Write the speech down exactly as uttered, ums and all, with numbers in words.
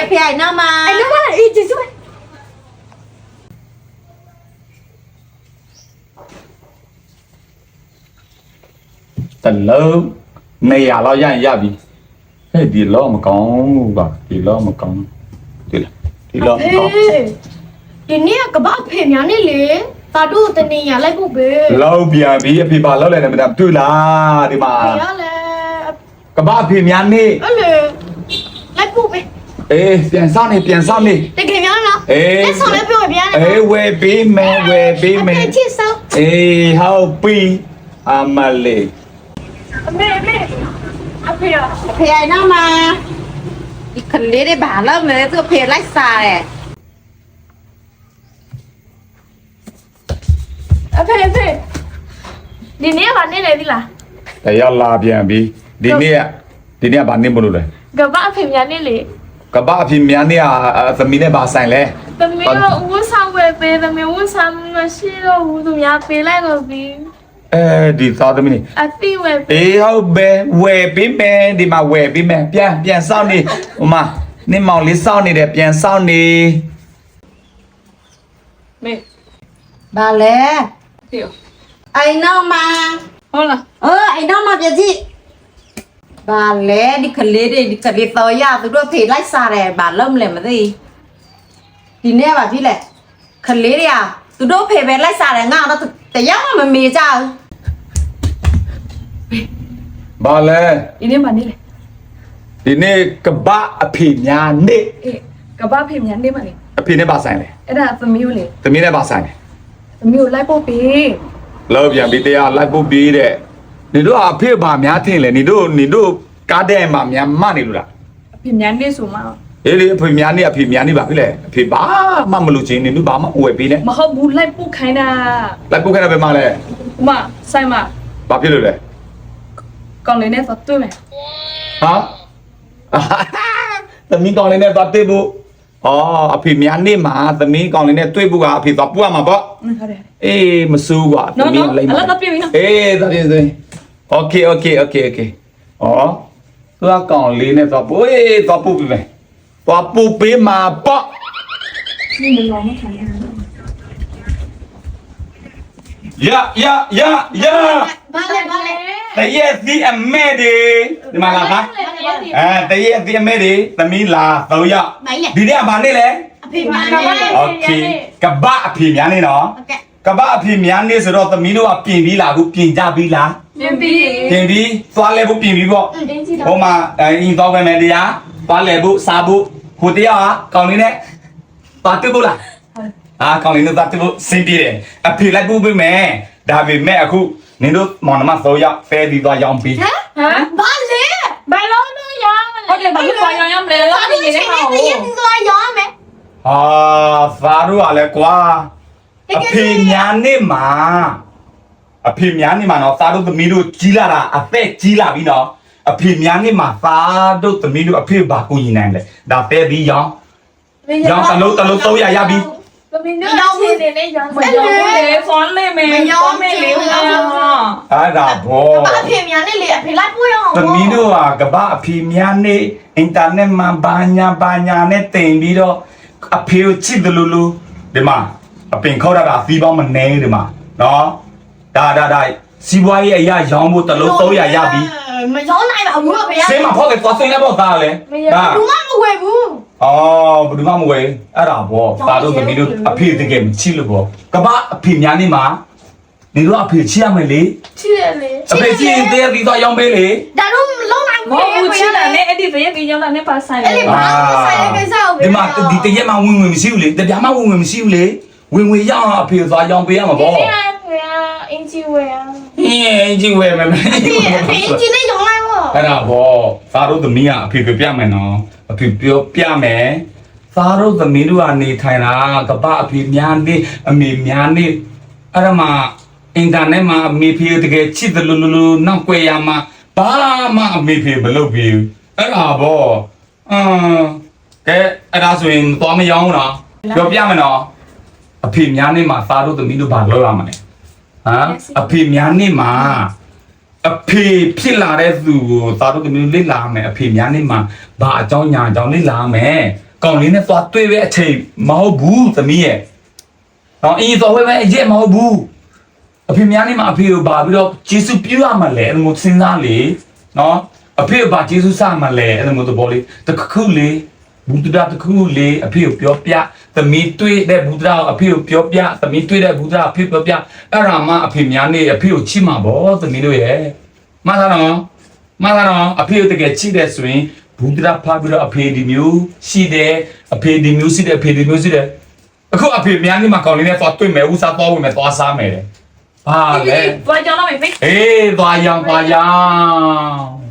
အဖေအိုင်နောက်မှာအိုင်နောက်မှာအေးကျေးဇူးပဲတလုံးနေရတော့ရရင်ရပြီဟဲ့ဒီလောမကောင်းဘူးပါဒီလောမကောင်းဒီလားဒီလောမကောင်းဒီနေ့ကဘာဖေများနေလေတာတို့တနေရလိုက်ဖို့ပဲလောက်ပြန်ပြီအဖေပါလောက်လိုက်တယ်မတတွေ့လားဒီမှာရလေကဘာအဖေများနေအဲ့လေလိုက်ဖို့ပဲအေးပြန်စားနေပြန်စားနေတကယ်များလားအေးလက်ဆောင်လည်းပြောပြရတယ်အေးဝယ်ပေးမယ်ဝယ်ပေးမယ်အချစ်ဆောင်အေးဟောပြီအမလေးအမေအမေအဖေရအဖေအိုင်နောက်မှာဒီကလေးတွေဘာလို့လဲသူအဖေလိုက်စားတယ်အဖေအဖေဒီနေ့ကနေလေဒီလားတရားလာပြန်ပြီဒီနေ့ဒီနေ့ကဘာနေမလို့လဲကဘာအဖေများနေလေကဘာအဖေများနေอ่ะသမီးနဲ့ဘာဆိုင်လဲသမီးကဦးဆောင်ဝယ်ပေးသမီးဦးဆောင်မရှိတော့ဘူးသူများပေးလိုက်တော့ပြီအဲဒီသားသမီးအတိဝယ်အေးဟုတ်ပဲဝယ်ပေးမယ်ဒီမှာဝယ်ပေးမယ်ပြန်ပြန်စောင့်နေဟိုမှာနင်းမောင်လေးစောင့်နေတယ်ပြန်စောင့်နေမေဘာလဲဖေအိုင်နောက်မှာဟုတ်လားเออအိုင်နောက်မှာပြကြည့်ဘာလဲဒီကလေးတွေဒီကလေးတော်ရသူတို့ဖေလိုက်စားတယ်ဘာလို့မလဲမသိဒီနေ့ပါပြီလေကလေးတွေကသူတို့ဖေပဲလိုက်စားတယ်ငါတော့တရားမှမမေ့ကြဘူးဘာလဲဒီနေ့မှနေလေဒီနေ့ကဘာအဖေများနေအေးကဘာဖေများနေမှလေအဖေနဲ့ပါဆိုင်လေအဲ့ဒါသမီးကိုလေသမီးနဲ့ပါဆိုင်လေသမီးကိုလိုက်ဖို့ပေးလောက်ပြန်ပြီးတရားလိုက်ဖို့ပေးတဲ့နေတို့အဖေဘာများထင်လဲနေတို့နေတို့ကားတဲ့မှာများမနေလို့လားအဖေများနေဆိုမှအေးလေအဖေများနေအဖေများနေပါပြီလေအဖေဘာမှမလို့ချင်းနေတို့ဘာမှဝယ်ပေးနဲ့မဟုတ်ဘူးလိုက်ပို့ခိုင်းတာလိုက်ပို့ခိုင်းတာပဲမလဲဥမဆိုင်မဘာဖြစ်လို့လဲကောင်းလေးနဲ့သွားတွေ့မယ်ဟာသမီးကောင်းလေးနဲ့သွားတွေ့ဖို့အော်အဖေများနေမှာသမီးကောင်းလေးနဲ့တွေ့ဖို့ကအဖေသွားပို့ရမှာပေါ့ဟုတ်တယ်အေးမစိုးကွာသမီးလိမ့်မှာအဲ့ဒါပြပြီနော်အေးဒါပြင်စင်โอเคโอเคโอเคโอเคအော်သူကကောင်းလေးနဲ့သွားပို့အေးသွားပို့ပြီမယ်သွားပို့ပေးမှာပေါ့นี่มันร้องไม่ทันရရရရဘာလဲဘာလဲတရဲ့စီအမဲဒီဒီမှာလာခါအဲတရဲ့စီအမဲဒီသမီးလာသုံးယောက်ဒီနေ့ကဘာနေ့လဲအဖေများနေโอเคကပအဖေများနေနော်ကပအဖေများနေဆိုတော့သမီးတို့ကပြင်ပြီးလာခုပြင်ကြပြီးလားပြင်ပြီးပြင်ပြီးသွားလဲဖို့ပြင်ပြီးပေါ့ဟိုမှာအင်းတော့ပဲမယ်တရားသွားလဲဖို့စားဖို့ဟိုတရားကကောင်းလေးနဲ့ပါတွေ့ဖို့လားအာကောင်းလေးနဲ့ပါတွေ့ဖို့စင်ပြေတယ်အဖေလိုက်ဖို့ပြင်မယ်ဒါပေမဲ့အခုနင်တို့မောင်နှမသုံးယောက်ဖဲပြီးသွားရောင်းပြီးဟမ်ဘာလဲဘယ်လိုလုပ်ရမလဲဟုတ်တယ်ဘာလို့သွားရောင်းရမလဲလားဒီနေ့ဟောသွားရောင်းမယ်ဟာသာတို့ကလည်းကွာအဖေများနေမှာအဖေများနေမှာနော်သာတို့သမီးတို့ကြီးလာတာအသက်ကြီးလာပြီနော်အဖေများနေမှာသာတို့သမီးတို့အဖေဘာကိုညီနိုင်လဲဒါဖဲပြီးရောင်းရောင်းတလုံးတလုံးသုံးရရပြီသမီးတို့ရောင်းနေနေရောင်းမရောင်းလေဖုန်းလေးမယ်ရောင်းမယ်လေဟာအဲ့ဒါဘောအဖေများနေလေအဖေလိုက်ပို့ရအောင်သမီးတို့ကကဘာအဖေများနေအင်တာနက်မှာဘာညာဘာညာနဲ့တင်ပြီးတော့အဖေကိုချစ်တယ်လို့လို့ဒီမှာအပင်ခေါက်တာကသီးပေါင်းမနေဒီမှာနော်ဒါဒါဒါစီးပွားရေးအရာရောင်းဖို့တလုံးသုံးရရပြီမရောင်းနိုင်ပါဘူးဗျာဆေးမှာဖောက်ကတော့စိတ်နဲ့ပေါ့သားလေဒါဘူးမမဝယ်ဘူးအော်ဘယ်သူမှမဝယ်အဲ့ဒါဘောသားတို့သမီးတို့အဖေတကယ်မချစ်လို့ပေါ့ကဘာအဖေများနေမှာနေတော့အဖေချစ်ရမယ်လေချစ်ရလေအဖေချစ်ရင်တရားပြီးတော့ရောင်းပေးလေဒါတော့လုံးနိုင်ဘူးမဟုတ်ဘူးချစ်တယ်နဲ့အဲ့ဒီတရက်ကြီးရောင်းတာနဲ့ပါဆိုင်လေအဲ့ဒီပါဆိုင်ရဲ့ကိစ္စကိုဒီမှာဒီတရက်မှဝင်ဝင်မရှိဘူးလေတပြားမှဝင်ဝင်မရှိဘူးလေဝင်ဝင်ရအောင်အဖေသွားရောင်းပေးရမှာပေါ့အင်ဂျီဝယ်อ่ะအင်ဂျီဝယ်မယ်အဖေအင်ဂျီနဲ့ရောင်းလိုက်ပေါ့အဲ့ဒါဘောသားတို့သမီးကအဖေပြပြမယ်နော်အဖေပြောပြမယ်သားတို့သမီးတို့ကနေထိုင်တာကပအဖေများနေအမေများနေအဲ့ဒါမှအင်တာနက်မှာအမေဖေတကယ်ချစ်တယ်လို့လို့နောက်ွယ်ရမှာဘာမှအမေဖေမလုပ်ဘူးအဲ့ဒါဘောအမ်ကဲအဲ့ဒါဆိုရင်သွားမရောင်းလားပြောပြမယ်နော်အဖေများနေမှာသားတို့သမီးတို့ဘာလုပ်ရမလဲဟမ်အဖေများနေမှာအဖေဖြစ်လာတဲ့သူကိုသားတို့သမီးတို့လေ့လာမယ်အဖေများနေမှာဘာအကြောင်းညာအကြောင်းလေ့လာမယ်ကောင်လေးနဲ့သွားတွေ့ပဲအချိန်မဟုတ်ဘူးသမီးရဲ့နော်အင်းသွားဝဲပဲအရက်မဟုတ်ဘူးအဖေများနေမှာအဖေကိုပါပြီးတော့ဂျေစုပြုရမှာလေအဲ့လိုစဉ်းစားလေနော်အဖေကပါဂျေစုစမှာလေအဲ့လိုသဘောလေးတခုလေးဘူဒ္ဓတခုလေးအဖေကိုပြောပြသမီးတွေ့တဲ့ဘူဒ္ဓကိုအဖေကိုပြောပြသမီးတွေ့တဲ့ဘူဒ္ဓအဖေပြောပြအဲ့ဒါမှအဖေများနေအဖေကိုချစ်မှာပေါ့သမီးတို့ရဲ့မှန်လားနော်မှန်လားနော်အဖေကိုတကယ်ချစ်တယ်ဆိုရင်ဘူဒ္ဓဖာပြီးတော့အဖေဒီမျိုးရှိတယ်အဖေဒီမျိုးရှိတယ်အဖေဒီမျိုးရှိတယ်အခုအဖေများနေမှာကောင်းလေးနဲ့သွားတွေ့မယ်ဦးစားသွားဝင်မယ်သွားစားမယ်ဟာလေသွားကြောင်းတော့မေဖေးအေးသွားရောင်သွားရောင်